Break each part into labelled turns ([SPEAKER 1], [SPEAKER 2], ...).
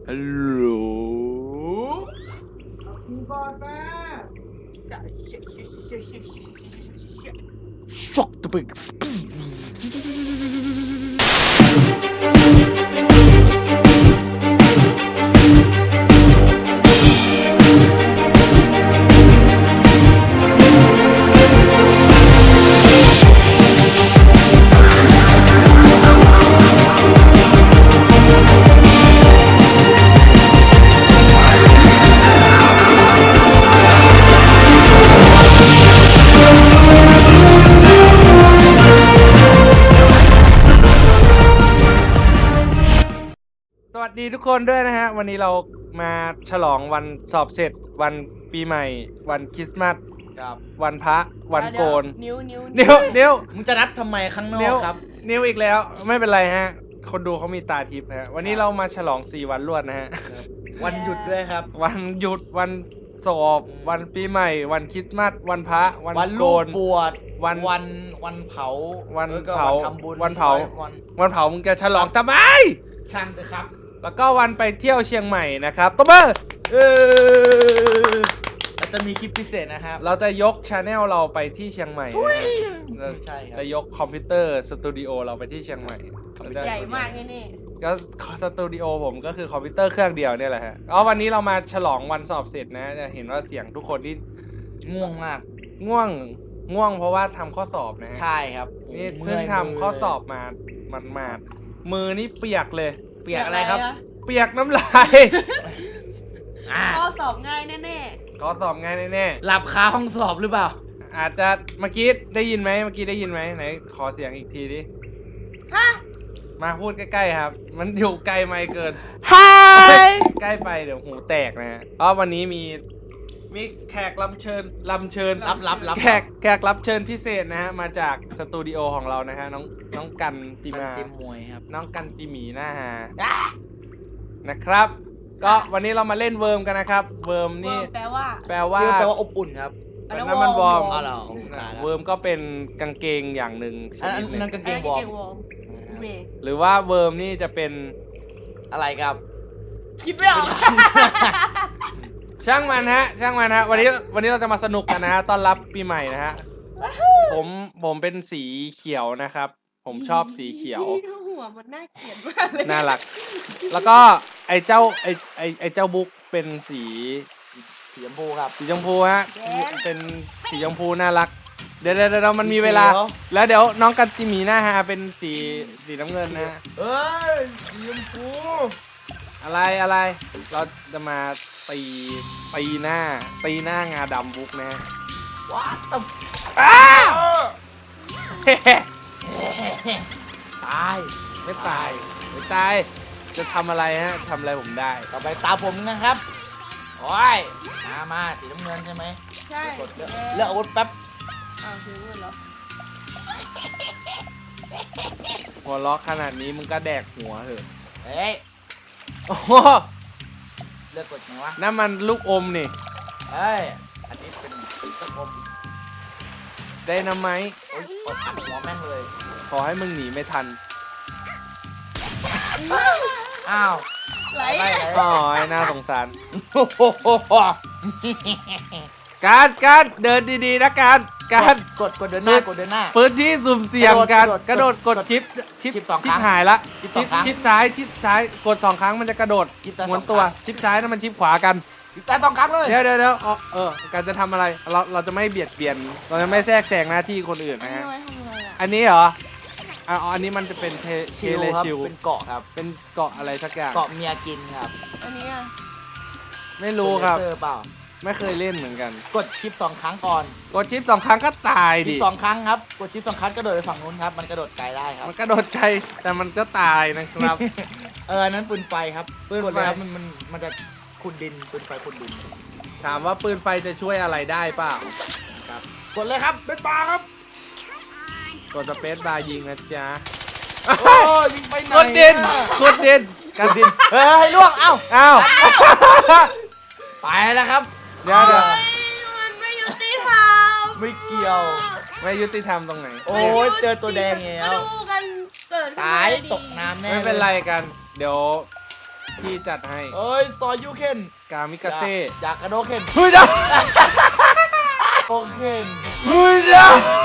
[SPEAKER 1] ฮัลโหล
[SPEAKER 2] บอลแม่
[SPEAKER 1] ช็อกตัวเปิกสวัสดีทุกคนด้วยนะฮะวันนี้เรามาฉลองวันสอบเสร็จวันปีใหม่วันคริสต์มาส
[SPEAKER 2] ครับ
[SPEAKER 1] วันพระวันโกน
[SPEAKER 3] นิ้ว
[SPEAKER 1] นิ้ว
[SPEAKER 2] มึงจะนับทำไมข้างนอ
[SPEAKER 1] นิ้
[SPEAKER 2] ก
[SPEAKER 1] ว
[SPEAKER 2] ครับ
[SPEAKER 1] นิ้วอีกแล้วไม่เป็นไรฮะคนดูเขามีตาทิพย์ฮะวันนี้เรามาฉลอง4วันรวดนะฮะ
[SPEAKER 2] วันหยุดด้วยครับ
[SPEAKER 1] วันหยุดวันสอบวันปีใหม่ วันคริสต์มาสวันพระวัน
[SPEAKER 2] วัน
[SPEAKER 1] โก
[SPEAKER 2] ลูก
[SPEAKER 1] น
[SPEAKER 2] บวช
[SPEAKER 1] วัน
[SPEAKER 2] วันเผา
[SPEAKER 1] วัน
[SPEAKER 2] แล้วก็
[SPEAKER 1] เผา
[SPEAKER 2] ทำบุญ
[SPEAKER 1] วันเผา
[SPEAKER 2] วัน
[SPEAKER 1] วันเผามึงจะฉลองทำไม
[SPEAKER 2] ช่างเลยครับ
[SPEAKER 1] แล้วก็วันไปเที่ยวเชียงใหม่นะครับตบมือ
[SPEAKER 2] แล้วจะมีคลิปพิเศษนะครับ
[SPEAKER 1] เราจะยกชาแนลเราไปที่เชียงใหม่นะ
[SPEAKER 2] ใช่ครับ
[SPEAKER 1] จะยกคอมพิวเตอร์สตูดิโอเราไปที่เชียงใหม่
[SPEAKER 3] ใหญ่มากนี่
[SPEAKER 1] ก็สตูดิโอผมก็คือคอมพิวเตอร์เครื่องเดียวเนี่ยแหละฮะวันนี้เรามาฉลองวันสอบเสร็จนะจะเห็นว่าเสียงทุกคนที่
[SPEAKER 2] ง่วงมาก
[SPEAKER 1] ง่วงเพราะว่าทำข้อสอบนะฮะ
[SPEAKER 2] ใช่ครับ
[SPEAKER 1] นี่เพิ่งทำข้อสอบมามือนี่เปียกเลย
[SPEAKER 2] เปียกอะไรครับ
[SPEAKER 1] เปียกน้ำลาย
[SPEAKER 3] ข้อสอบง่ายแน่
[SPEAKER 1] ข้อสอบง่ายแน่
[SPEAKER 2] หลับคาห้องสอบหรือเปล่า
[SPEAKER 1] ๆอาจจะเมื่อกี้ได้ยินไหมไหนขอเสียงอีกทีดิ
[SPEAKER 3] ๆฮะ
[SPEAKER 1] มาพูดใกล้ๆครับ มันอยู่ไกลไม่เกิน
[SPEAKER 3] ฮาย
[SPEAKER 1] ใกล้ไปเดี๋ยวหูแตกนะฮะเพราะวันนี้มีแขกรับเชิญ
[SPEAKER 2] รับ
[SPEAKER 1] แขกรับเชิญพิเศษนะฮะมาจากสตูดิโอของเรานะฮะน้องกันติมา
[SPEAKER 2] เต็มมวยครับ
[SPEAKER 1] น้องกันติหมีหน้าฮานะครับ ก็วันนี้เรามาเล่นเวิร์มกันนะครับ เวิร์มนี่
[SPEAKER 3] แปลว่า
[SPEAKER 1] แปลว่า
[SPEAKER 2] ชื่อแปลว่าอบอุ่นครับ
[SPEAKER 1] เป็นน้ำมันวอร์ม
[SPEAKER 2] อ๋อเหรอ
[SPEAKER 1] เวิร์มก็เป็นกางเกงอย่างหนึ่งช
[SPEAKER 2] อัน
[SPEAKER 1] นิดหนึ่
[SPEAKER 2] นั้น
[SPEAKER 1] ง
[SPEAKER 2] กางเกงวอร์ม
[SPEAKER 3] เม
[SPEAKER 1] หรือว่าเวิร์มนี่จะเป็น
[SPEAKER 2] อะไรครับ
[SPEAKER 3] คิดไม่ออก
[SPEAKER 1] ช่างมันฮะวันนี้เราจะมาสนุกกันนะฮะต้อนรับปีใหม่นะฮะผมเป็นสีเขียวนะครับ ผมชอบสีเขียว
[SPEAKER 3] หัวมันน่าเกลียดมากเลย
[SPEAKER 1] น่ารัก แล้วก็ไอ้เจ้าบุ๊กเป็นสี
[SPEAKER 2] สีชมพูครับ
[SPEAKER 1] สีชมพูฮะเป็นสีชมพูน่ารักเดี๋ยวมันมีเวลา
[SPEAKER 2] สีเขียว
[SPEAKER 1] แล้วเดี๋ยวน้องกันติมีหน้าฮะเป็นสีน้ำเงินนะฮะ
[SPEAKER 2] เอ้ยสีชมพู
[SPEAKER 1] อะไรเราจะมาตีหน้างาดำบุ๊กนะฮะ
[SPEAKER 2] ว้าตบ
[SPEAKER 1] อ้าว
[SPEAKER 2] ตาย
[SPEAKER 1] ไม่ตายจะทำอะไรฮะทำอะไรผมได้
[SPEAKER 2] ต่อไปตาผมนะครับ โอ้ย มาสีน้ำเงินใช่ไหม
[SPEAKER 3] ใช่
[SPEAKER 2] กดเลือกอาวุธแป๊บ
[SPEAKER 3] อ้าวถึงเหรอ
[SPEAKER 1] หัวล็อกขนาดนี้มึงก็แดกหัวเถอะ
[SPEAKER 2] เฮ้ย
[SPEAKER 1] โอ้โห
[SPEAKER 2] เลือกกดไงวะ
[SPEAKER 1] นั่นมันลูกอมนี่
[SPEAKER 2] เฮ้ย อันนี้เป็นตะกรม
[SPEAKER 1] ได้นะไหม
[SPEAKER 2] โอ้ยกดอัดหัวแม่งเลย
[SPEAKER 1] ขอให้มึงหนีไม่ทัน
[SPEAKER 2] อ้าว
[SPEAKER 3] ไหล
[SPEAKER 2] ไป
[SPEAKER 1] อ๋อไอ้น่าสงสาร
[SPEAKER 2] โอ้โห
[SPEAKER 1] การเดินดีๆนะการ
[SPEAKER 2] กดเดินหน้ากดเดินหน้า
[SPEAKER 1] พื้นที่สุ่มเสี่ยงการกระโดดกดชิป
[SPEAKER 2] สองครั้ง
[SPEAKER 1] หายละ
[SPEAKER 2] ชิปสองครั้ง
[SPEAKER 1] ชิปซ้ายกด2 ครั้งมันจะกระโดด
[SPEAKER 2] ชิปซ้าย
[SPEAKER 1] หมุนตัว
[SPEAKER 2] สองครั้ง
[SPEAKER 1] ชิปซ้ายนั่นมันชิปขวากัน
[SPEAKER 2] แต่สองครั้งเลย
[SPEAKER 1] เดี๋ยวการจะทำอะไรเราจะไม่เบียดเบียนเราจะไม่แทรกแซงหน้าที่คนอื่น
[SPEAKER 3] อัน
[SPEAKER 1] นะ
[SPEAKER 3] นี้
[SPEAKER 1] ฮะ
[SPEAKER 3] ไว้ทำอะไรอ่ะ
[SPEAKER 1] อันนี้เหรออันนี้มันจะเป็นเท
[SPEAKER 2] ชิล
[SPEAKER 1] เล
[SPEAKER 2] ครับ
[SPEAKER 1] ชิล
[SPEAKER 2] เป็นเกาะครับ
[SPEAKER 1] เป็นเกาะอะไรสักอย่าง
[SPEAKER 2] เกาะเมียกินครับ
[SPEAKER 3] อันนี้อ่ะ
[SPEAKER 1] ไม่รู้ครับ
[SPEAKER 2] เลเซอเปล่า
[SPEAKER 1] ไม่เคยเล่นเหมือนกัน
[SPEAKER 2] กดชิปสองครั้งก่อน
[SPEAKER 1] กดชิป2 ครั้งก็ตาย
[SPEAKER 2] ชิ
[SPEAKER 1] ดิ
[SPEAKER 2] ปสองครั้งครับ กดชิป2 ครั้งกระโดดไปฝั่งนู้นครับ มันกระโดดไกลได้ครับ
[SPEAKER 1] มันกระโดดไกลแต่มันก็ตายนะครับ
[SPEAKER 2] อันนั้นปืนไฟครับ
[SPEAKER 1] ปืนไฟ
[SPEAKER 2] กดเลยครับมันจะขุดดิน ปืนไฟขุดดิน
[SPEAKER 1] ถามว่าปืนไฟจะช่วยอะไรได้เปล่า
[SPEAKER 2] ครับ กดเลยครับ เป็นปลาครับ
[SPEAKER 1] กดสเปซบาร์ยิงนะจ๊ะ
[SPEAKER 2] โอ้ยยิงไปไหน
[SPEAKER 1] กดดินกันดิน
[SPEAKER 2] เฮ้ยล่วง เอ้า
[SPEAKER 1] อ้าว
[SPEAKER 2] ไปแล้วครับ
[SPEAKER 1] เดี๋ยว
[SPEAKER 3] เฮ้ยมันไม่ยุติธรรม
[SPEAKER 2] ไม่เกี่ยว
[SPEAKER 1] ไม่ยุติธรรมตรงไหน
[SPEAKER 2] โอ้ยเจอตัวแดงแล้ว
[SPEAKER 3] มาดูกันเกิดขึ้น
[SPEAKER 2] ตาย
[SPEAKER 3] มดี
[SPEAKER 2] ตกน้ำแน่
[SPEAKER 1] ไม่เป็นไรกัน เดี๋ยวที่จัดให้
[SPEAKER 2] เอ้ยซอยยูเคน
[SPEAKER 1] กามิกาเซ่
[SPEAKER 2] อยากกระโดดเคน
[SPEAKER 1] เฮ้ยเดี๋ยว
[SPEAKER 2] โอเคน
[SPEAKER 1] เฮ้ยเดี๋ยว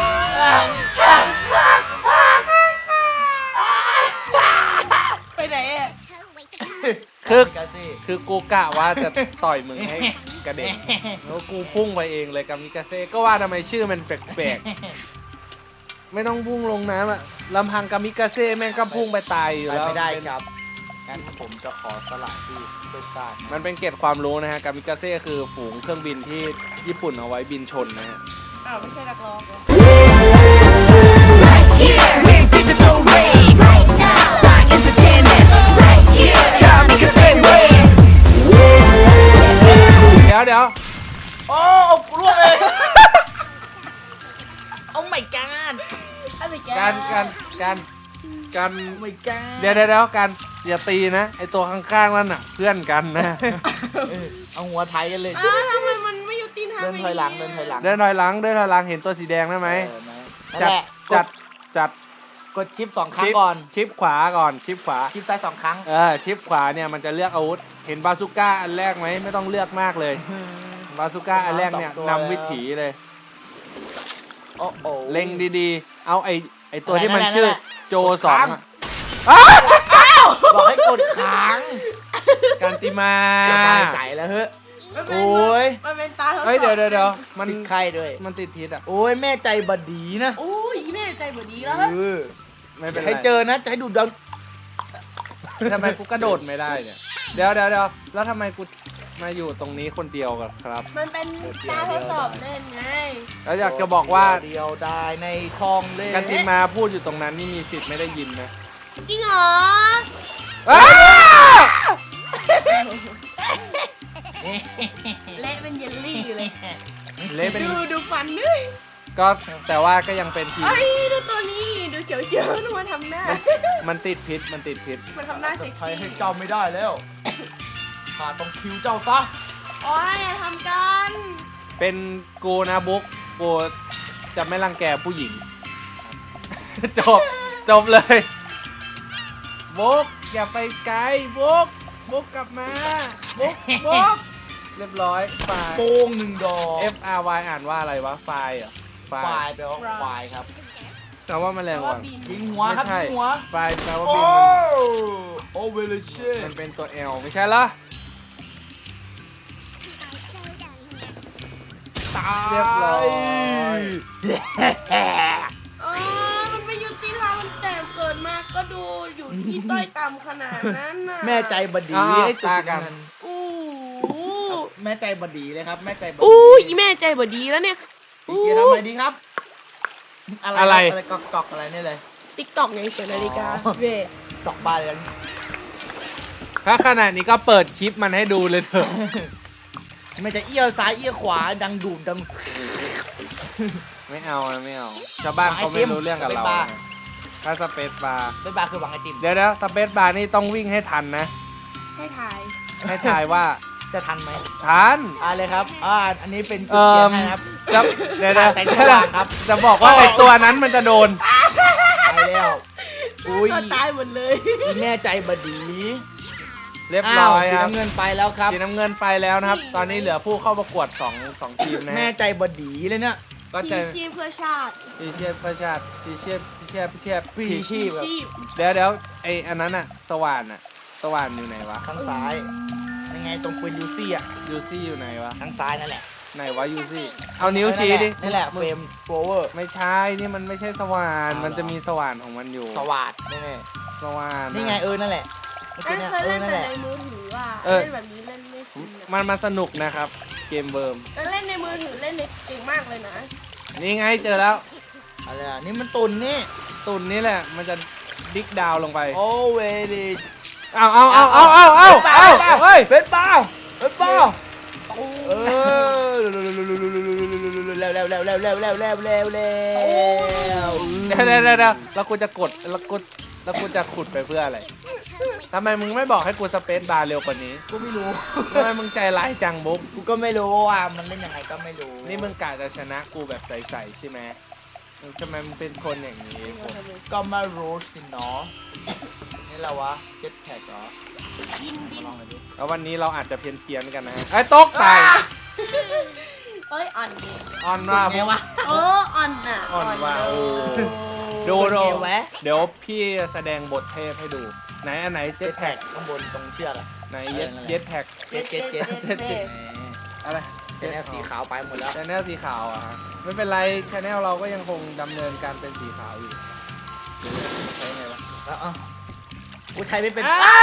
[SPEAKER 3] ไปไหนอ่ะ
[SPEAKER 1] คือ
[SPEAKER 2] กาซี่
[SPEAKER 1] คือกูกะว่าจะต่อยมึงให้กระเด็นแล้วกูพุ่งไปเองเลยกามิกาเซ่ก็ว่าทำไมชื่อมันแปลกๆไม่ต้องพุ่งลงน้ำอะลำพังกามิกาเซ่แม่งก็พุ่งไปตายอยู่
[SPEAKER 2] ไป
[SPEAKER 1] แล้ว
[SPEAKER 2] ไม่ได้ครับงั้นผมจะขอสละที่เพื่อชาติ
[SPEAKER 1] มันเป็นเกร็ดความรู้นะฮะกามิกาเซ่คือฝูงเครื่องบินที่ญี่ปุ่นเอาไว้บินชนนะฮะ
[SPEAKER 3] อ้าวไม่ใช่นักร้องเหรอ
[SPEAKER 4] Here, we're digital wave. Right now, Sonic Entertainment. Right here, Kamikaze wave.
[SPEAKER 1] เดี๋ยว
[SPEAKER 2] โอ้เอากลัวเลยเอาไม่การ
[SPEAKER 3] อะไรแก
[SPEAKER 1] การ
[SPEAKER 2] ไม่การ
[SPEAKER 1] เดี๋ยวการอย่าตีนะไอตัวข้างๆนั่นน่ะเพื่อนกันนะ
[SPEAKER 2] เอาหัวไทยกันเลย
[SPEAKER 3] อ้าวทำไมมันไม่ยุติธรรม
[SPEAKER 2] เดินถอยหลังเดินถอยหลัง
[SPEAKER 1] เดินถอยหลังเห็นตัวสีแดงได้ไหม
[SPEAKER 2] นั่นแหละ
[SPEAKER 1] จัด
[SPEAKER 2] กดชิป2 ครั้งก่อน
[SPEAKER 1] ชิปขวาก่อนชิปขวา
[SPEAKER 2] ชิปซ้าย2 ครั้ง
[SPEAKER 1] ชิปขวาเนี่ยมันจะเลือกอาวุธเห็นบาซูก้าอันแรกไหมไม่ต้องเลือกมากเลยบาซูก้าอันแรกเนี่ยนำวิถีเลย
[SPEAKER 2] โอ้โห
[SPEAKER 1] เล็งดีๆเอาไอตัวที่มันชื่อโจ
[SPEAKER 2] ค้าง
[SPEAKER 1] 2อะอ้าว
[SPEAKER 2] บอกให้กดค้าง
[SPEAKER 1] กันติมา
[SPEAKER 2] สบายใจแล้วเฮ้ย
[SPEAKER 3] มันเป็น
[SPEAKER 2] โอ้ย
[SPEAKER 3] มันเป็นตาทดสอบ
[SPEAKER 1] เฮ้ยเดี๋ยวมัน
[SPEAKER 2] ติดไข้ด้วย
[SPEAKER 1] มันติดพิษอ่ะ
[SPEAKER 2] โอ้ยแม่ใจบดีนะ
[SPEAKER 3] โอ้ยแม่ใจบดีแล้ว
[SPEAKER 2] เออ
[SPEAKER 1] ไม่เป็นไร
[SPEAKER 2] ให้เจอนะจะให้ดูดัง
[SPEAKER 1] ทำไมกูกระโดดไม่ได้เนี่ยเดี๋ยวแล้วทำไมกูมาอยู่ตรงนี้คนเดียวกันครับ
[SPEAKER 3] มันเป็นตาทดสอบเล่นไง
[SPEAKER 1] แล้วอยากจะบอกว่า
[SPEAKER 2] เดียวได้ในทองเล่
[SPEAKER 1] กันติมาพูดอยู่ตรงนั้นนี่มีสิทธิ์ไม่ได้ยินนะ
[SPEAKER 3] จริงเหรอ
[SPEAKER 1] อ้าว
[SPEAKER 3] เละเป็นเยลลี่เลย
[SPEAKER 1] เละเป็น
[SPEAKER 3] ดูฟันด้วย
[SPEAKER 1] ก็แต่ว่าก็ยังเป็นทีม
[SPEAKER 3] เอ้ยดูตัวนี้ดูเขียวๆดูมันทำหน้า
[SPEAKER 1] มันติดพิษ
[SPEAKER 3] มันทำหน้าเซ็ก
[SPEAKER 2] ใคร
[SPEAKER 3] ซี่
[SPEAKER 2] ให้เจ้าไม่ได้แล้วข้าต้องคิวเจ้าซะ
[SPEAKER 3] โอ้ยอย่าทำกัน
[SPEAKER 1] เป็นกูนะบุ๊กกูจะไม่รังแกผู้หญิง จบเลยบุ๊กอย่าไปไกลบุ๊กกลับมาบุ๊กเรียบร้อยไฟ
[SPEAKER 2] โป้ง1 ดอก
[SPEAKER 1] F R Y อ่านว่าอะไรวะไฟเหรอไฟ
[SPEAKER 2] ควายแปลว่าควายครับ
[SPEAKER 1] แต่ว่าแมลง
[SPEAKER 3] ว่า
[SPEAKER 1] วัน
[SPEAKER 3] บิน
[SPEAKER 2] ยิงหัวครับ
[SPEAKER 1] ไม่ใช่
[SPEAKER 2] ยิงหัว
[SPEAKER 1] ไฟแปลว่า
[SPEAKER 2] โอ้
[SPEAKER 1] บิน
[SPEAKER 2] โอเวลเช่
[SPEAKER 1] มันเป็นตัว L ไม่ใช่เหรอ
[SPEAKER 2] ตาย
[SPEAKER 1] เรียบร้อย
[SPEAKER 3] อ๋อมันไม่ยุติธรรมมันแต่เกิดมาก็ดูอยู่ที่ต้อยต่ำขนาดนั้นน่ะ
[SPEAKER 2] แม่ใจบดี
[SPEAKER 1] อ้าว
[SPEAKER 2] ให้จุด
[SPEAKER 1] ตากัน
[SPEAKER 2] นั้น
[SPEAKER 3] อู้
[SPEAKER 2] แม่ใจบดีเลยครับแม่ใจบดี
[SPEAKER 3] อู้ยแม่ใจบดีแล้วเนี่ย
[SPEAKER 2] พี่เกียร์ทำอะไรดีครับ
[SPEAKER 1] อะไร
[SPEAKER 2] อะไรกอกอะไรนี่เลย
[SPEAKER 3] ติ๊กตอกไงเสียนาฬิกา
[SPEAKER 2] อ๋อ
[SPEAKER 3] เว่
[SPEAKER 2] จอกบ้านเลย
[SPEAKER 1] ถ้าขนาดนี้ก็เปิดคลิปมันให้ดูเลยเถอะ
[SPEAKER 2] มันจะเอี้ยวซ้ายเอี้ยวขวาดังดูดดัง
[SPEAKER 1] ไม่เอาชาวบ้านเขาไม่รู้เรื่องกับเรา
[SPEAKER 2] สเปซบาร์
[SPEAKER 1] ไงถ้าสเปซบาร์
[SPEAKER 2] บ๊ายบายคือหวังไอติม
[SPEAKER 1] เดี๋ยวสเปซบาร์นี่ต้องวิ่งให้ทันนะ
[SPEAKER 3] ให้ถ่าย
[SPEAKER 1] ให้ทายว่า
[SPEAKER 2] จะทันไหม
[SPEAKER 1] ทัน
[SPEAKER 2] เลยครับอันนี้เป็นจุดเทียนให้ครับ
[SPEAKER 1] จะเดี๋ยว
[SPEAKER 2] ใส่สว่างครับ
[SPEAKER 1] จะบอกว่าไอตัวนั้นมันจะโดน
[SPEAKER 2] ไปแล้วอุ้ย
[SPEAKER 3] ก็ตายหมดเลย
[SPEAKER 2] อีแม่ใจบดี
[SPEAKER 1] เรียบร้อย
[SPEAKER 2] สี
[SPEAKER 1] ครับ
[SPEAKER 2] น้ำเงินไปแล้วครับ
[SPEAKER 1] สีน้ำเงินไปแล้วนะครับ ตอนนี้เหลือผู้เข้าประกวด2ทีมนะ
[SPEAKER 2] แม่
[SPEAKER 1] ฮะ
[SPEAKER 2] ใจบดีเลยเนี่ย
[SPEAKER 1] ก็
[SPEAKER 3] พี
[SPEAKER 1] จะ
[SPEAKER 3] ชีพเพื่อชาติ
[SPEAKER 1] พีเชียบเพื่อชาติพีเชียบ
[SPEAKER 2] ปีชีพแบบ
[SPEAKER 3] ชีพ
[SPEAKER 1] เดี๋ยวไออันนั้นอะสว่านอยู่ไหนวะ
[SPEAKER 2] ทางซ้ายยังไงตรงปืนยูซี่อ่ะ
[SPEAKER 1] ยูซี่อยู่ไหนวะ
[SPEAKER 2] ทางซ้ายนั่นแหละ
[SPEAKER 1] ไหนวะยูซี่เอานิ้วชี้ดิ
[SPEAKER 2] นี่แหละเฟรมโฟเวอร์
[SPEAKER 1] ไม่ใช่นี่มันไม่ใช่สว่าน
[SPEAKER 2] อ้าวเหรอ
[SPEAKER 1] มันจะมีสว่านของมันอยู่
[SPEAKER 2] สวัสดแน่
[SPEAKER 1] สว่าน
[SPEAKER 2] ๆนี่ไงนั่นแหละเมื่อ
[SPEAKER 3] นั่
[SPEAKER 2] กี้
[SPEAKER 3] น
[SPEAKER 2] เนี่ย
[SPEAKER 3] เคยเล่น
[SPEAKER 2] นั่น
[SPEAKER 3] แต่
[SPEAKER 2] แหละ
[SPEAKER 3] ในมือถืออ่ะ
[SPEAKER 1] เออ
[SPEAKER 3] เล่นแบบนี้เล่นไม่ชินอะ
[SPEAKER 1] มันสนุกนะครับเกมเบิร์ม
[SPEAKER 3] แล้วเล่นในมือถือเล่นในเก่งมากเลยนะ
[SPEAKER 1] นี่ไงเจอแล้ว
[SPEAKER 2] อะไรอ่ะนี่มันตุนนี่
[SPEAKER 1] ตุ่นนี่แหละมันจะดิกดาวลงไป
[SPEAKER 2] โอเวดี
[SPEAKER 1] เอาเฮ้ย
[SPEAKER 2] เป็นเปล่าเออแล้ว
[SPEAKER 1] แล้วกูจะกดแล้วกูจะขุดไปเพื่ออะไรทำไมมึงไม่บอกให้กูสเปซบาร์เร็วกว่านี้
[SPEAKER 2] กูไม่รู้
[SPEAKER 1] ทำไมมึงใจร้ายจังบุ๊ก
[SPEAKER 2] กูก็ไม่รู้อ่ะมันเล่นยังไงก็ไม่รู้
[SPEAKER 1] นี่มึงกะจะชนะกูแบบใสๆใช่ไหมทำไมมึงเป็นคนอย่างนี้ผม
[SPEAKER 2] ก็ไม่รู้สิเนาะนี่เราวะเจ็ตแพ็กเหรอ
[SPEAKER 3] บิน
[SPEAKER 2] มาลองหน่อยดิ
[SPEAKER 1] แล้ววันนี้เราอาจจะเพี้ยนกันนะฮะไอ้ตกตาย
[SPEAKER 3] เอ้ยอ่อนดิ
[SPEAKER 1] ออนว่า
[SPEAKER 2] ไงวะ
[SPEAKER 3] โอ้อ่อนน่ะ
[SPEAKER 1] อ่อนว่า
[SPEAKER 3] เ
[SPEAKER 1] โอ้
[SPEAKER 3] เ
[SPEAKER 1] ดู
[SPEAKER 2] ไงวะ
[SPEAKER 1] เดี๋ยวพี่แสดงบทเทพให้ดูไหนอันไหนเจ็
[SPEAKER 2] เจ็
[SPEAKER 1] ต
[SPEAKER 2] ต
[SPEAKER 1] แพ็
[SPEAKER 2] แพ็
[SPEAKER 1] ก
[SPEAKER 2] กข้างบนตรงเชือกอะ
[SPEAKER 1] ไหนเจ็ตแพ็ก
[SPEAKER 2] เจ็ต
[SPEAKER 3] เจ็ด
[SPEAKER 2] เจ็ด
[SPEAKER 1] อะไร
[SPEAKER 2] เจ็ตแนวสีขาวไปหมดแล้ว
[SPEAKER 1] ชแนลสีขาวอ่ะฮะไม่เป็นไรชแนลเราก็ยังคงดำเนินการเป็นสีขาวอยู่ใช่ไงวะ
[SPEAKER 2] แล้วอ่ะกูใช้ไม่เป็น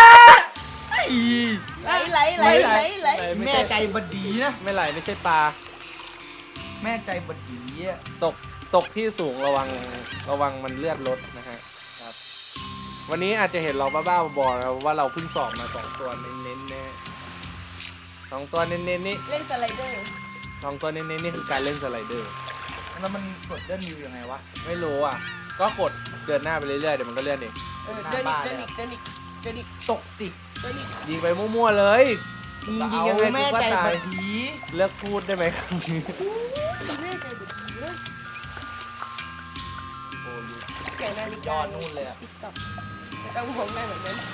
[SPEAKER 3] ไหลไหลไหลไหลไหล
[SPEAKER 2] แม่ใจบดีนะ
[SPEAKER 1] ไม่ไหลไม่ใช่ปลา
[SPEAKER 2] แม่ใจบดีอะ
[SPEAKER 1] ตกที่สูงระวังมันเลือดลดนะฮะครับวันนี้อาจจะเห็นเราบ้าๆบอๆนะว่าเราเพิ่งสอบมา2 ตัวเน้นๆแน่2 ตัวเน้นๆนี่
[SPEAKER 3] เล่นสไลเดอร์
[SPEAKER 1] 2 ตัวเน้นๆนี่คือการเล่นสไลเดอร์
[SPEAKER 2] แล้วมันกดเลื่อนวิวยังไงวะ
[SPEAKER 1] ไม่รู้อ่ะก็กดเดินหน้าไปเรื่อยๆเดี๋ยวมันก็เลื่อนเอง
[SPEAKER 3] เดินอีกเดินอีกเดินอีกเดินอีก
[SPEAKER 2] ตกสิ
[SPEAKER 3] เดินอีก
[SPEAKER 1] ยิงไปมั่วๆเลยยิงยังไง
[SPEAKER 2] แม่
[SPEAKER 1] กูก็
[SPEAKER 2] ใจ
[SPEAKER 1] ตา
[SPEAKER 2] บ
[SPEAKER 1] ย
[SPEAKER 2] ดี
[SPEAKER 1] เลิกพูดได้ไหมครับ
[SPEAKER 3] แม่ใจบุดีเลย
[SPEAKER 2] โอ้ย
[SPEAKER 3] แก่นาฬิ
[SPEAKER 2] ย
[SPEAKER 3] กา
[SPEAKER 2] อดนู่นเลยอะ
[SPEAKER 3] ติ๊กต็อกไม่ต้องมองหน้าแบบนั้น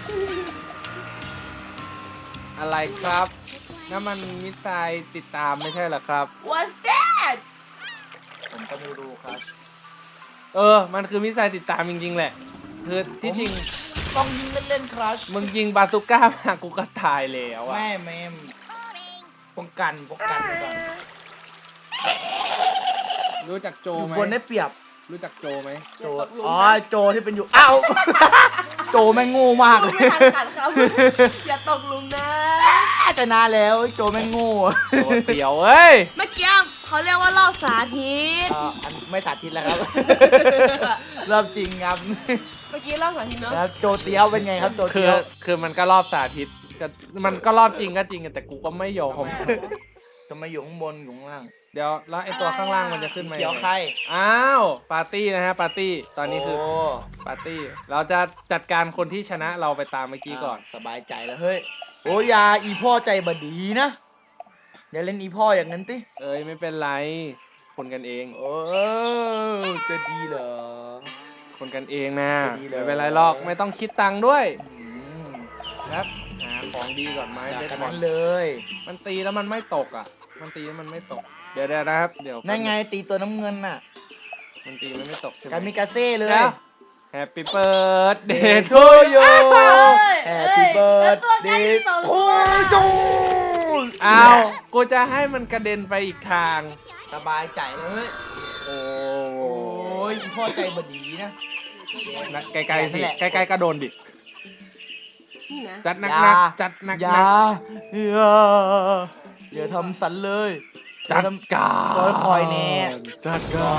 [SPEAKER 1] อะไรครับนั่นมันมิสไซล์ติดตามไม่ใช่เหรอครับ
[SPEAKER 3] What's that
[SPEAKER 2] ผมก็ไม่รู้ครับ
[SPEAKER 1] มันคือมิสไซล์ติดตามจริงๆแหละคือที่จริง
[SPEAKER 2] ต้องยิงเล่นๆครัช
[SPEAKER 1] มึงยิงบาซูก้ามากูก็ตายแล้วอะ
[SPEAKER 2] แม่ป้องกันไว้ก่อน
[SPEAKER 1] รู้จักโจ
[SPEAKER 2] อยู่
[SPEAKER 1] ไหม
[SPEAKER 2] บนได้เปรียบ
[SPEAKER 1] รู้จักโจไหม
[SPEAKER 2] โจอ๋อโจที่เป็นอยู่อ้าวโจแม่งโง่มาก
[SPEAKER 3] พู
[SPEAKER 2] เล
[SPEAKER 3] ด
[SPEAKER 2] ย
[SPEAKER 3] ไม่ทันขัดครับอย่าตกหลุมนะ
[SPEAKER 2] จะนานแล้วโจแม่งโง่
[SPEAKER 1] โจเตี๋ยวเอ้ย
[SPEAKER 3] เมื่อกี้เขาเรียกว่ารอบสาธิต
[SPEAKER 2] อันไม่สาธิตแล้วครับ เริ่มจริงครับ
[SPEAKER 3] เมื่อกี้รอบสาธิตเนอะ
[SPEAKER 2] แล้วโจเตี้ยวเป็นไงครับโจ
[SPEAKER 1] คื
[SPEAKER 2] เตี้
[SPEAKER 1] อ
[SPEAKER 2] ยว
[SPEAKER 1] คือมันก็รอบสาธิตก็มันก็รอบจริงก็จริงแต่กูก็ไม่ยอม
[SPEAKER 2] จะมาอยู่ข้างบนอยู่ข้างล่าง
[SPEAKER 1] เดี๋ยวแล้วไอ้ตัวข้างล่างมันจะขึ้นมา
[SPEAKER 2] เกี่ยว
[SPEAKER 1] ยัง
[SPEAKER 2] ใคร
[SPEAKER 1] ไงอ้าวปาร์ตี้นะฮะปาร์ตี้ตอนนี้คือ
[SPEAKER 2] โ
[SPEAKER 1] ปาร์ตี้เราจะจัดการคนที่ชนะเราไปตามเมื่อกี้ก่อน
[SPEAKER 2] สบายใจแล้วเฮ้ยโอ้ยาอีพ่อใจบดีนะอย่าเล่นอีพ่ออย่างนั้นติ
[SPEAKER 1] เอ้ยไม่เป็นไรคนกันเอง
[SPEAKER 2] โอ้จะดีเหรอ
[SPEAKER 1] คนกันเองนะ
[SPEAKER 2] ดีเลย
[SPEAKER 1] ไม่เป็นไรหรอกไม่ต้องคิดตังค์ด้วย
[SPEAKER 2] อืม
[SPEAKER 1] ครับหาของดีก่อนไหม
[SPEAKER 2] อยาก
[SPEAKER 1] เบส
[SPEAKER 2] กัน
[SPEAKER 1] บอ
[SPEAKER 2] นั้
[SPEAKER 1] ล
[SPEAKER 2] นเลย
[SPEAKER 1] มันตีแล้วมันไม่ตกอ่ะ มันตีแล้วมันไม่ตก เดี๋ยวนะครับเดี๋ยว
[SPEAKER 2] นั่นไงตีตัวน้ำเงินน่ะ
[SPEAKER 1] มันตีมันไม่ตกใช่ไหม
[SPEAKER 2] กามิกาเซ่เลย
[SPEAKER 1] Happy birthday to you
[SPEAKER 2] แฮปปี้เบิร์ดเดย์ทูยู
[SPEAKER 1] อ้าวกูจะให้มันกระเด็นไปอีกทาง
[SPEAKER 2] สบายใจเลย
[SPEAKER 1] โอ้
[SPEAKER 2] โอ้ยอีพ่อใจบดีนะ
[SPEAKER 1] นะไกลๆสิใกล้ๆก็โดนดิ
[SPEAKER 3] นี่นะ
[SPEAKER 1] จัดหนัก
[SPEAKER 2] อย่า
[SPEAKER 1] ๆจัดหนัก
[SPEAKER 2] อย่าอย่าทำสันเลย
[SPEAKER 1] ๆจัดการ
[SPEAKER 2] คอยๆแน่
[SPEAKER 1] จัดการ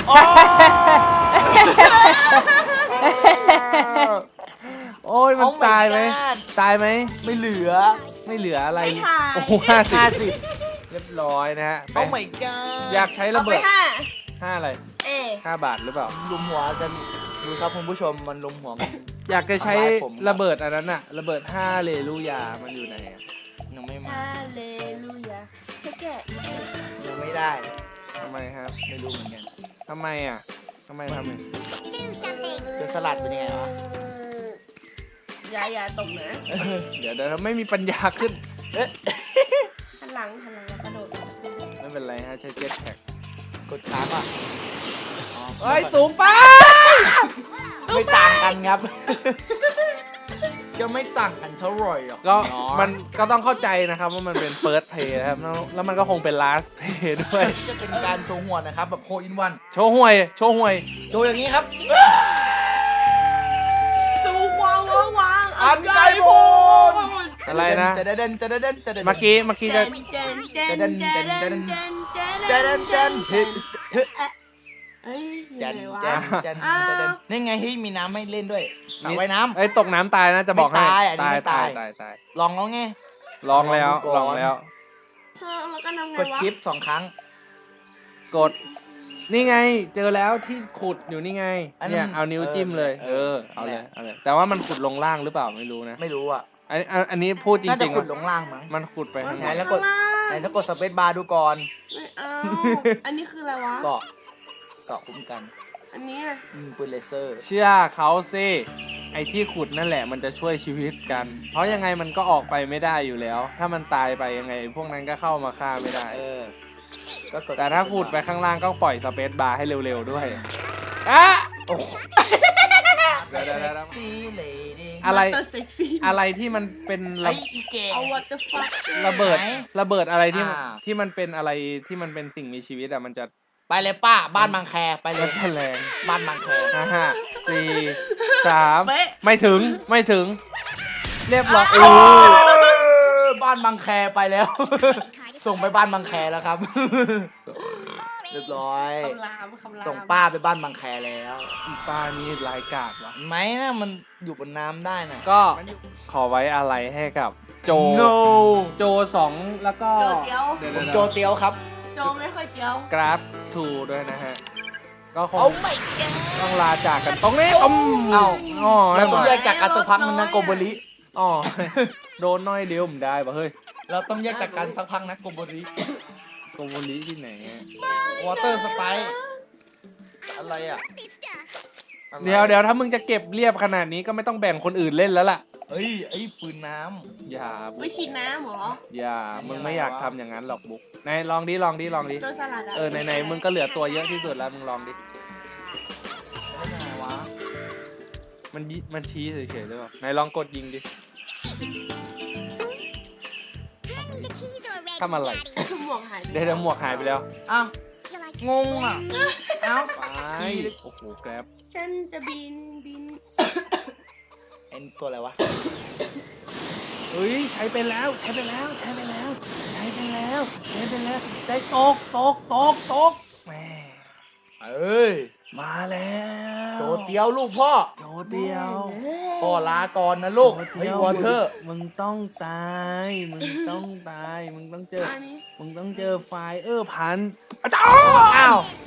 [SPEAKER 1] โอ้ยมัน
[SPEAKER 2] Oh my
[SPEAKER 1] ตายไหม
[SPEAKER 2] God
[SPEAKER 1] ตายไหม
[SPEAKER 2] ไม่เหลือ
[SPEAKER 1] ไม่เหลืออะไร
[SPEAKER 3] ไม่ถ่าย
[SPEAKER 1] โอ้โห50เรียบร้อยนะฮะไป
[SPEAKER 2] โอ้ my god
[SPEAKER 1] อยากใช้
[SPEAKER 3] เอา
[SPEAKER 1] ระ
[SPEAKER 3] ไป
[SPEAKER 1] เบิด
[SPEAKER 3] ห้า
[SPEAKER 1] 5อะไร
[SPEAKER 3] เอ
[SPEAKER 1] 5 บาทหรือเปล่า
[SPEAKER 2] ลุมหัวกันดูครับคุณผู้ชมมันลุมหัวกัน
[SPEAKER 1] อยากจะใช้
[SPEAKER 2] ทำร้ายผม
[SPEAKER 1] ระเบิดอันนั้นอะระเบิด5เลลูยามันอยู่ไหนอะ
[SPEAKER 2] ยังไม่มา
[SPEAKER 3] ฮาเลลูยาแค่แกะ
[SPEAKER 2] ยังไม่ได้
[SPEAKER 1] ทำไมครับ
[SPEAKER 2] ไม่รู้เหมือนกัน
[SPEAKER 1] ทำไมอะทำไม
[SPEAKER 2] เจอสลัดเป็นยังไงวะ
[SPEAKER 3] อย่าตกนะ
[SPEAKER 1] เดี๋ยวเราไม่มีปัญญาขึ้น
[SPEAKER 2] เอ๊ะ
[SPEAKER 3] หันหลังแล้วกระโดด
[SPEAKER 1] ไม่เป็นไรฮะใช้เจ็ตแพ็ก
[SPEAKER 2] กดค้างอ่ะอ๋อ
[SPEAKER 1] เฮ้ยสูงไป
[SPEAKER 2] ไม่ต่างกันครับ จะไม่ต่างกันเท่าไหร่หรอก
[SPEAKER 1] ก็
[SPEAKER 2] เนาะ
[SPEAKER 1] มันก็ต้องเข้าใจนะครับว่ามันเป็น first play นะครับแล้วมันก็คงเป็น last play ด้วย
[SPEAKER 2] จะเป็นการโชว์หัวนะครับแบบโฮอินวัน
[SPEAKER 1] โชว์ห่วยโชว์ห่วย
[SPEAKER 2] โชว์อย่างนี้ครับ
[SPEAKER 3] สูวางวาง
[SPEAKER 2] อันไกลโบน
[SPEAKER 1] อะไรนะ
[SPEAKER 2] จะเดินจะเดินจะเดิน
[SPEAKER 1] เมื่อกี้จะ
[SPEAKER 3] เจน เอ้ย
[SPEAKER 2] จัน
[SPEAKER 3] ยังไงวะ
[SPEAKER 2] จันจัน
[SPEAKER 3] อ้าว
[SPEAKER 2] จันนี่ไงเฮ้ยมีน้ำให้เล่นด้วยสระว่ายน้
[SPEAKER 1] ไอ้ยตกน้ำตายนะจะบอกให้
[SPEAKER 2] ไม่ตายอันนี้ไม่ตาย
[SPEAKER 1] ตาย
[SPEAKER 2] ำลองแล้วไง
[SPEAKER 1] ลองแล้ว
[SPEAKER 2] ลองดูก่อน
[SPEAKER 1] ลองแล้ว
[SPEAKER 3] แล้วก็ทำไง
[SPEAKER 2] กด
[SPEAKER 3] วะ
[SPEAKER 2] ชิป2 ครั้ง
[SPEAKER 1] กด นี่ไงเจอแล้วที่ขุดอยู่นี่ไง
[SPEAKER 2] อันนั้น
[SPEAKER 1] เนี่ยเอานิ้วจิ้มเลย
[SPEAKER 2] เออ
[SPEAKER 1] เอาเลย
[SPEAKER 2] แหละ
[SPEAKER 1] เอาเลยแต่ว่ามันขุดลงล่างหรือเปล่าไม่รู้นะ
[SPEAKER 2] ไม่รู้อ่ะ
[SPEAKER 1] อันนี้พูดจ
[SPEAKER 2] น่าจะ
[SPEAKER 1] ริงๆ
[SPEAKER 2] ขุดล
[SPEAKER 1] ว่าง
[SPEAKER 2] ล่างมั้ง
[SPEAKER 1] มันขุดไปทาง
[SPEAKER 2] ไห
[SPEAKER 1] ไห
[SPEAKER 2] น
[SPEAKER 1] น
[SPEAKER 2] แล้วกด ไหนถ้ากดสเปซบาร์ดูก่อน
[SPEAKER 3] ไม่เอาอันนี้คืออะไรวะ
[SPEAKER 2] เกาะคุ้มกัน
[SPEAKER 3] อันนี้อะ
[SPEAKER 2] ปืนเลเซอร์
[SPEAKER 1] เชื่อเขาสิไอ้ที่ขุดนั่นแหละมันจะช่วยชีวิตกัน เพราะยังไงมันก็ออกไปไม่ได้อยู่แล้ว ถ้ามันตายไปยังไง พวกนั้นก็เข้ามาฆ่าไม่ได้
[SPEAKER 2] ก็กด
[SPEAKER 1] แต่ถ้าขุดไปข้างล่างก็ปล่อยสเปซบาร์ให้เร็วๆด้วยอ่ะ
[SPEAKER 2] โอ้โห
[SPEAKER 1] เดี๋ยว
[SPEAKER 2] ซีเลยดิ
[SPEAKER 1] อะไร
[SPEAKER 3] Water sexy
[SPEAKER 1] อะไรที่มันเป็น
[SPEAKER 2] ไอ้อีเก่ง
[SPEAKER 3] เอา what the fuck
[SPEAKER 1] ระเบิด
[SPEAKER 2] ไหน
[SPEAKER 1] ระเบิดอะไรที่
[SPEAKER 2] อ่า
[SPEAKER 1] ที่มันเป็นอะไรที่มันเป็นสิ่งมีชีวิตอะมันจะ
[SPEAKER 2] ไปเลยป้าบ้านบางแคไปเล
[SPEAKER 1] มั
[SPEAKER 2] ย
[SPEAKER 1] นจะแรง
[SPEAKER 2] บ้านบางแค
[SPEAKER 1] 5 4 3
[SPEAKER 3] เป๊ะ
[SPEAKER 1] ไม่ถึงไม่ถึง เรียบร้อย
[SPEAKER 2] โอ้บ้านบางแคไปแล้ว ส่งไปบ้านบางแคแล้วครับ เรียบร้อย
[SPEAKER 3] คำรามคำราม
[SPEAKER 2] ส่งป้าไปบ้านบางแคแล้ว
[SPEAKER 1] อีป้านี่รายกาดว่ะ
[SPEAKER 2] เห็นไหมนะมันอยู่บนน้ำได้นะ
[SPEAKER 1] ก็ขอไว้อะไรให้กับโจ
[SPEAKER 2] no
[SPEAKER 1] โจ2แล้วก็
[SPEAKER 3] โจเดียว
[SPEAKER 2] ผมโจเตียวครับ
[SPEAKER 3] โจไม่ค่อยเดียว
[SPEAKER 1] กราฟ2ด้วยนะฮะ ก็คง
[SPEAKER 2] โอ้ไม่แก
[SPEAKER 1] ต้องลาจากกันตรงนี้ต้ม
[SPEAKER 2] เอ้า
[SPEAKER 1] อ๋อ
[SPEAKER 2] เราต้อง
[SPEAKER 1] ไม่
[SPEAKER 2] แย
[SPEAKER 1] ไหว
[SPEAKER 2] กจากกันสักพักนึงนะโกโบริ
[SPEAKER 1] อ๋อ โดนน้อยเดียวผมได้ปะเฮ้ย
[SPEAKER 2] เราต้องแยกจากกันสักพักนะโกโบริ
[SPEAKER 1] โกโมลิที่ไหนอะ
[SPEAKER 2] วอเตอร์สไตล์อะไรอ่ะ
[SPEAKER 1] เดี๋ยวถ้ามึงจะเก็บเรียบขนาดนี้ก็ไม่ต้องแบ่งคนอื่นเล่นแล้วล่ะ
[SPEAKER 2] เฮ้ยไอ้ปืนน้
[SPEAKER 1] อย่าบุ๊
[SPEAKER 3] ไม่
[SPEAKER 1] ก
[SPEAKER 3] ฉีดน้ำเหรอ
[SPEAKER 1] อย่า มึงไม่อยากทำอย่างนั้นหรอกบุ๊กไหนลองดิ ลองดิ ลองดิ
[SPEAKER 3] โจสลัดอะ
[SPEAKER 1] ไหนมึงก็เหลือตัวเยอะที่สุดแล้ว มึงลองดิ
[SPEAKER 2] ำได้ไงวะ
[SPEAKER 1] มันชี้เฉยๆหรือเปล่าไหนลองกดยิงดิ ทำอะไร
[SPEAKER 3] หมวกหายไป
[SPEAKER 1] เดี๋ยวหมวกหายไปแล้ว
[SPEAKER 2] อ้าวงงอ่ะเอ้า
[SPEAKER 1] ไป โอ้โหแกร็บ
[SPEAKER 3] ฉันจะบิน
[SPEAKER 2] เอ็นตัวอะไรวะ
[SPEAKER 1] เฮ้ย ใช้ไปแล้วได้ตกแหม่
[SPEAKER 2] เอ้ย
[SPEAKER 1] มาแล้ว
[SPEAKER 2] โจเตียวลูกพ่อ
[SPEAKER 1] โจเดียว
[SPEAKER 2] พ่อลาก่อนนะลูกเฮ้ยวอเตอร์
[SPEAKER 1] มึงต้องตาย มึงต้องเจอ
[SPEAKER 3] อันนี้
[SPEAKER 1] มึงต้องเจอไฟพัน
[SPEAKER 2] อ้าว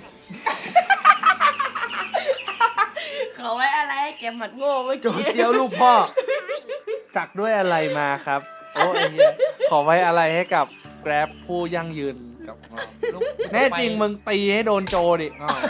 [SPEAKER 3] เขาไว้อะไรให้แกหมัดโง่เมื่อ
[SPEAKER 2] โจ
[SPEAKER 3] กี้
[SPEAKER 2] เตียวลูกพ่อ
[SPEAKER 1] สักด้วยอะไรมาครับ โอ้ไอ้เหี้ยขอไว้อะไรให้กับแกร็บผู้ยั่งยืนกับเราแน่จริงมึงตีให้โดนโจดิอ้าว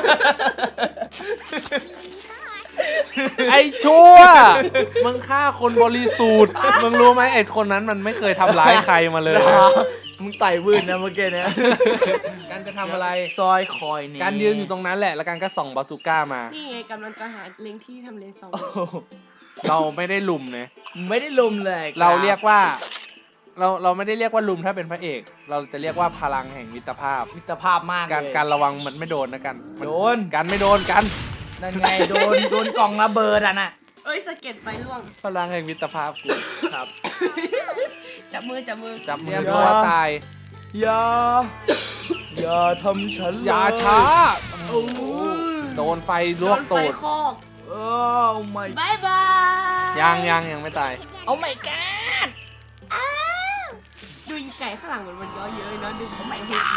[SPEAKER 1] ไอ้ชั่ว มึงฆ่าคนบริสุทธิ์ มึงรู้ไหมไอ้คนนั้นมันไม่เคยทำร้ายใครมาเลย
[SPEAKER 2] มึงไต่วืนนะเมื่อกี้เนี่ย
[SPEAKER 1] การจะทำอะไร
[SPEAKER 2] ซอยคอยนี่
[SPEAKER 1] การยืนอยู่ตรงนั้นแหละ แล้วการก็ส่องบาซูก้ามา
[SPEAKER 3] นี่ไงกำลังจะหาเล็งที่ทำเลซอง
[SPEAKER 2] โอ้โห
[SPEAKER 1] เราไม่ได้ลุมนะ
[SPEAKER 2] ไม่ได้ลุมเลย
[SPEAKER 1] เราเรียกว่า เราไม่ได้เรียกว่าลุมถ้าเป็นพระเอก เราจะเรียกว่าพลังแห่งมิตรภาพ
[SPEAKER 2] มิตรภาพมาก
[SPEAKER 1] การ
[SPEAKER 2] เลย
[SPEAKER 1] การระวังมันไม่โดนนะกันมั
[SPEAKER 2] โดน
[SPEAKER 1] กันไม่โดนกัน
[SPEAKER 2] นั่นไงโดนกล่องระเบิดอ่ะน่ะ
[SPEAKER 3] เอ้ยสะเก็ดไฟล่วง
[SPEAKER 1] พลังแห่งมิตรภาพกู
[SPEAKER 2] ครับ
[SPEAKER 3] จับมือ
[SPEAKER 1] จับมือ
[SPEAKER 2] อย่า
[SPEAKER 1] ตัวตาย
[SPEAKER 2] อย่าทำฉัน
[SPEAKER 1] อย่าช้า
[SPEAKER 3] โอ้
[SPEAKER 1] โดนไฟลวกตูด
[SPEAKER 3] โนไฟคอก
[SPEAKER 2] โอ้ไม่
[SPEAKER 3] บายบาย
[SPEAKER 1] ยังไม่ตาย
[SPEAKER 2] เอาไม่แกน
[SPEAKER 3] ดูอีไก่ข้างหลังมันย่อเยอะเนาะดูไม่เห็น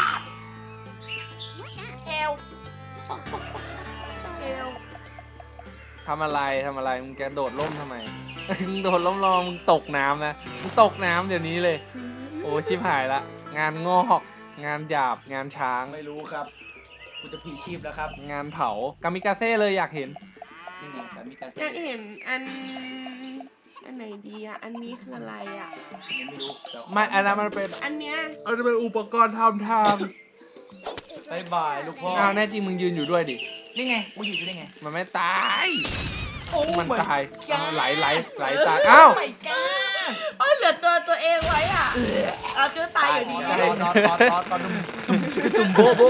[SPEAKER 3] เอวเอว
[SPEAKER 1] ทำอะไรมึงแกโดดร่มทำไม มึงโดดร่มรอมึงตกน้ำนะมึงตกน้ำเดี๋ยวนี้เลย โอ้ชิบหายละ งานงอก งานหยาบ งานช้าง
[SPEAKER 2] ไม่รู้ครับกูจะผีชีพแล้วครับ
[SPEAKER 1] งานเผากามิกาเซ่เลยอยากเห็น
[SPEAKER 2] นี่ไงแต่มีการ
[SPEAKER 3] อยากเห็นอันไหนดีอ่ะ อันนี้คืออะไรอ่ะ
[SPEAKER 2] ไม่รู้แต่
[SPEAKER 1] ไม่อันนั้นมันเป็น
[SPEAKER 3] อันเนี้ย
[SPEAKER 1] อุปกรณ์ทำทาง
[SPEAKER 2] บายบายลูกพ่อ
[SPEAKER 1] อ้าวแน่จริงมึงยืนอยู่ด้วยดิ
[SPEAKER 2] นี่ไงกูอยู่ได้ไง
[SPEAKER 1] มันไม่ตาย
[SPEAKER 2] โอ้
[SPEAKER 1] มันตาย
[SPEAKER 2] แก
[SPEAKER 1] เอาไหลตาย อ้าว
[SPEAKER 2] ไม่แกน
[SPEAKER 3] โอ้ยเหลือตัวเองไว้อ่ะเอาตัวตายอยู่ดี
[SPEAKER 1] ตาย
[SPEAKER 2] ตอนตุ่มโบโบ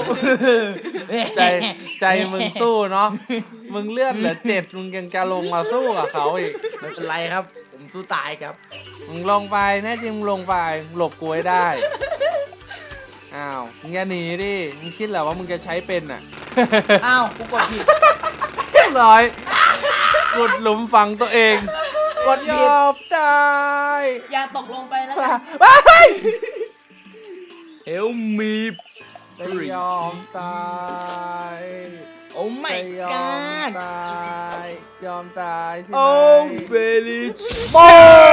[SPEAKER 1] ใจมึงสู้เนาะ มึงเลือดเหลือ7มึงยังจะลงมาสู้กับเขาอีก
[SPEAKER 2] ไม่เป็นไรครับ ผมสู้ตายครับ
[SPEAKER 1] มึงลงไปแน่จริงมึงลงไปมึงหลบกูให้ได้ อ้าวมึงอย่าหนีดิมึงคิดเหรอว่ามึงจะใช้เป็นอ่ะ
[SPEAKER 2] อ้าวกูกดผิด
[SPEAKER 1] เรียบร้อยกดหลุมฝังตัวเอง
[SPEAKER 2] กด
[SPEAKER 1] ย
[SPEAKER 2] ผิด
[SPEAKER 1] อมตาย
[SPEAKER 3] อย่าตกลงไปแล้วกัน
[SPEAKER 1] เฮ้ย
[SPEAKER 2] เฮลมี
[SPEAKER 1] จะยอมตาย
[SPEAKER 2] โอ้ไม่
[SPEAKER 1] จะย
[SPEAKER 2] ก
[SPEAKER 1] อ
[SPEAKER 2] าม ด
[SPEAKER 1] ตายยอมตายใช่ไหม
[SPEAKER 2] โอ้เบลิช
[SPEAKER 1] โบ้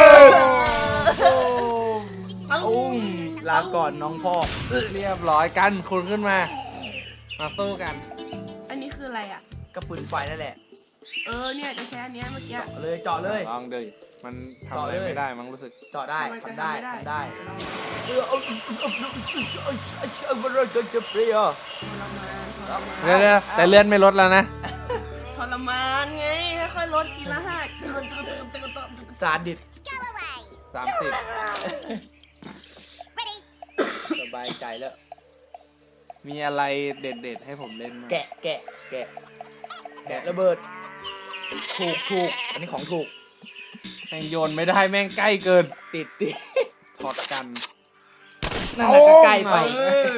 [SPEAKER 1] ม
[SPEAKER 2] โอ้ลาก่อนน้องพ่อ
[SPEAKER 1] เรียบร้อยกันคุณขึ้นมา มาสู้กัน
[SPEAKER 3] อันนี้คืออะไรอ่ะ
[SPEAKER 2] กระปืนไฟนั่นแหละ
[SPEAKER 3] เนี่ยจะใช้อันเนี้ยเมื่อกี้
[SPEAKER 2] เลยเจาะเลย
[SPEAKER 1] ลองดิมันทำอะไรไม่ได้มั้งรู้สึก
[SPEAKER 2] เจาะได้
[SPEAKER 3] มันจะ
[SPEAKER 2] ทำได้
[SPEAKER 3] ทำ
[SPEAKER 2] ทำได้
[SPEAKER 3] เรา
[SPEAKER 2] จะเปรี้ยว
[SPEAKER 3] ทรมานทรมาน
[SPEAKER 1] เดี๋ยวแต่เลื่อนไม่ลดแล้วนะ
[SPEAKER 3] ทรมานไงค่อยๆลดทีละห้า
[SPEAKER 2] จานดิด
[SPEAKER 1] 30
[SPEAKER 2] สบายใจแล้ว
[SPEAKER 1] มีอะไรเด็ดๆให้ผมเล่นมั้ง
[SPEAKER 2] แกะระเบิด ถูกอันนี้ของถูก
[SPEAKER 1] แม่งโยนไม่ได้แม่งใกล้เกิน
[SPEAKER 2] ติด
[SPEAKER 1] ถอดกัน
[SPEAKER 2] นั่นแหละก็ใกล้ไป
[SPEAKER 3] เออ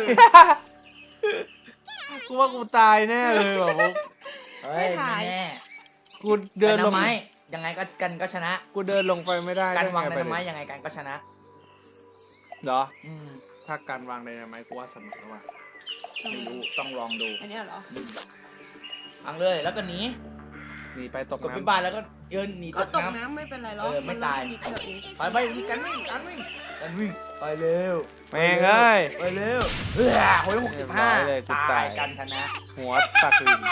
[SPEAKER 1] กูว่ากูตายแน่เลยแบบ
[SPEAKER 2] เฮ้ยไม่แน่
[SPEAKER 1] กูเดินลง
[SPEAKER 2] ไม้ยังไงก็กันก็ชนะ
[SPEAKER 1] กูเดินลงไปไม่ได้
[SPEAKER 2] การวางได
[SPEAKER 1] ด้
[SPEAKER 2] นาไม้ยังไงกันก็ชนะ
[SPEAKER 1] เหรอ
[SPEAKER 2] อืม
[SPEAKER 1] ถ้าการวางไดนาไม้กูว่าสนุกแล้วว่ะ
[SPEAKER 2] ไม่รู้ต้องลองดู
[SPEAKER 3] อันเนี้ยเหรอ
[SPEAKER 2] วางเลยแล้วก็หนี
[SPEAKER 1] หนีไปตก
[SPEAKER 2] กดไป
[SPEAKER 1] น้ำ
[SPEAKER 2] บ้านแล้วก็หนี
[SPEAKER 3] ก็
[SPEAKER 2] ตก
[SPEAKER 3] ตก
[SPEAKER 2] น้ำ
[SPEAKER 3] น้ำไม่เป็นไรหรอก
[SPEAKER 2] ไม่ตาย
[SPEAKER 3] นนิดเดีวเอง
[SPEAKER 2] ไปกันวิ่งไปเร็ว
[SPEAKER 1] แม่งเอ้ย
[SPEAKER 2] ไปเร็วโอ้ย
[SPEAKER 1] เรียบร้อยเลยกู
[SPEAKER 2] 65
[SPEAKER 1] ตาย
[SPEAKER 2] กันชนะ
[SPEAKER 1] หัวตักลิน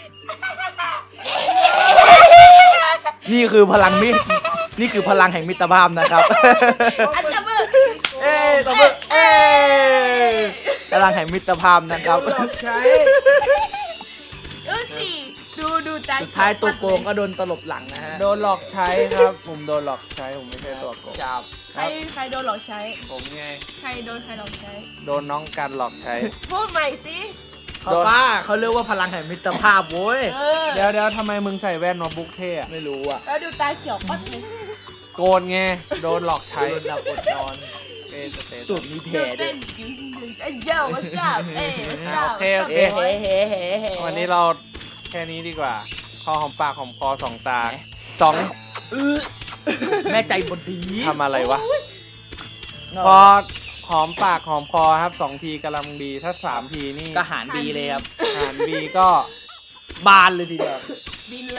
[SPEAKER 2] นี่คือพลังมิตรนี่คือพลังแห่งมิตรภาพนะครับ
[SPEAKER 3] อันจะมือ
[SPEAKER 2] เอ้ยตบมือเอ้ยพลังแห่งมิตรภาพนะครับ
[SPEAKER 3] สิดูใจ
[SPEAKER 2] สุดท้ายตัวโกงก็โดนตลบหลังนะฮะ
[SPEAKER 1] โดนหลอกใช้ครับ ผมโดนหลอกใช้ผมไม่ใช่ตัวโกง
[SPEAKER 2] จับ
[SPEAKER 3] ใครโดนหลอกใช้
[SPEAKER 1] ผมไง
[SPEAKER 3] ใครโดนใครหลอกใช้
[SPEAKER 1] โดนน้องกันหลอกใช้
[SPEAKER 3] พูดใหม่สิ
[SPEAKER 2] เขาป้าเขาเรียกว่าพลังแห่งมิตรภาพโว้ย
[SPEAKER 3] เออ
[SPEAKER 1] เดี๋ยวทำไมมึงใส่แว่นมาบุ๊กเท่อะ
[SPEAKER 2] ไม่รู้อ่ะ
[SPEAKER 3] แล้วดูตาเขียวปั๊ดเลย
[SPEAKER 1] โกนไงโดนหลอกใช้
[SPEAKER 2] โดนหลับอดนอน
[SPEAKER 1] เอสเต
[SPEAKER 2] ตุ่มมีแผล
[SPEAKER 3] ดู
[SPEAKER 2] ด้ว
[SPEAKER 3] เต้
[SPEAKER 2] ย
[SPEAKER 3] นเจ้าว่าทราบ
[SPEAKER 1] โอเค
[SPEAKER 2] เฮ้เฮ้เฮ้เฮ้เฮ้
[SPEAKER 1] วันนี้เราแค่นี้ดีกว่าพอหอมปากหอมคอสองตาสอง
[SPEAKER 2] แม่ใจบดี
[SPEAKER 1] ทำอะไรวะ พอหอมปากหอมคอครับ2 ทีกำลังดีถ้า3 ทีนี่
[SPEAKER 2] ก็หารดีเลยครับ
[SPEAKER 1] หารบีก็
[SPEAKER 2] บานเลยทีเดียว
[SPEAKER 3] บินเลย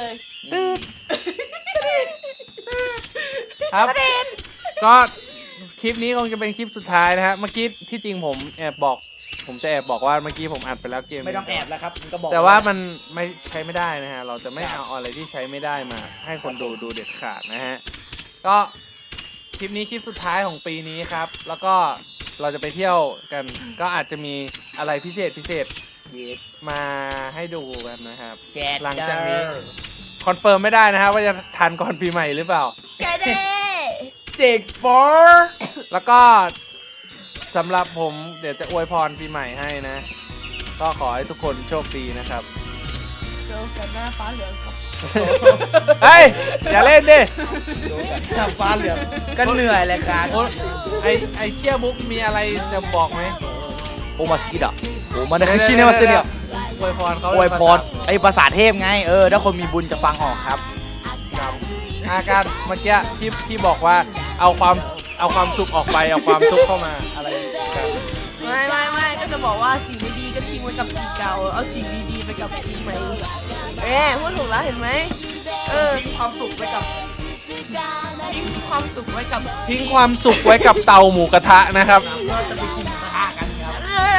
[SPEAKER 1] ครับ ก็คลิปนี้คงจะเป็นคลิปสุดท้ายนะฮะเมื่อกี้ที่จริงผมจะแอบบอกว่าเมื่อกี้ผมอัดไปแล้วเกม
[SPEAKER 2] ไม่ต้องแอบแล้วครับมันก็บอก
[SPEAKER 1] แต่ว่ามันไม่ใช้ไม่ได้นะฮะเราจะไม่เอาอะไรที่ใช้ไม่ได้มาให้คนดูเด็ดขาดนะฮะก็คลิปนี้คลิปสุดท้ายของปีนี้ครับ แล้วก็เราจะไปเที่ยวกัน ก็อาจจะมีอะไรพิเศษ
[SPEAKER 2] เย็ด
[SPEAKER 1] มาให้ดูกันนะครับ
[SPEAKER 2] แจ๊ด
[SPEAKER 1] หลังจากนี้ คอนเฟิร์มไม่ได้นะครับว่าจะทันก่อนปีใหม่หรือเปล่า
[SPEAKER 3] ใช่เด้
[SPEAKER 2] เจกฟอร์
[SPEAKER 1] แล้วก็สำหรับผมเดี๋ยวจะอวยพรปีใหม่ให้นะ ก็ขอให้ทุกคนโชคดีนะครับ
[SPEAKER 3] เจอกันหน้าฟ้าเหลืองครับ
[SPEAKER 1] เฮ้ย อย่าเล่นดิ
[SPEAKER 2] ทำฟ้าเหลืองก็เหนื่อยเลยครับ
[SPEAKER 1] โอ้ไอเชี่ยบุ๊กมีอะไรจะบอกไหม
[SPEAKER 2] โอมาสกิดะโอมาได้คือชิเนมาเซเนีย
[SPEAKER 1] อวยพรเขา
[SPEAKER 2] อวยพรไอ้ภาษาเทพไงถ้าคนมีบุญจะฟังออกครับ
[SPEAKER 1] อาการเมื่อกี้ที่บอกว่าเอาความสุขออกไปเอาความทุกข์เข้ามาอะไรกัน
[SPEAKER 3] ไม่ก็จะบอกว่าสิ่งไม่ดีก็ทิ้งไว้กับปีเก่า เอาสิ่งดีๆไปกับปีใหม่พูดถูกแล้วเห็นไหมทิ้งความสุขไว้กับทิ้งความสุขไว้กับ
[SPEAKER 1] ทิ้งความสุขไว้กับเตาหมูกระทะนะครับ
[SPEAKER 2] เราจะไปกินกระทะกันครับ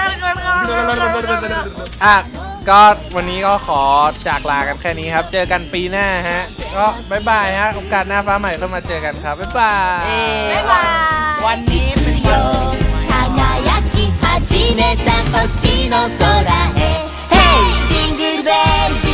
[SPEAKER 1] อ่ะก็วันนี้ก็ขอจากลากันแค่นี้ครับ เจอกันปีหน้าฮะก็บ๊ายบายฮะโอกาสหน้าฟ้าใหม่เข้ามาเจอกันครับบ๊ายบาย
[SPEAKER 3] บ๊ายบาย
[SPEAKER 2] วันนี้เป็นวันปีใหม่
[SPEAKER 4] 輝き始めた星の空へ Hey! ジングルベル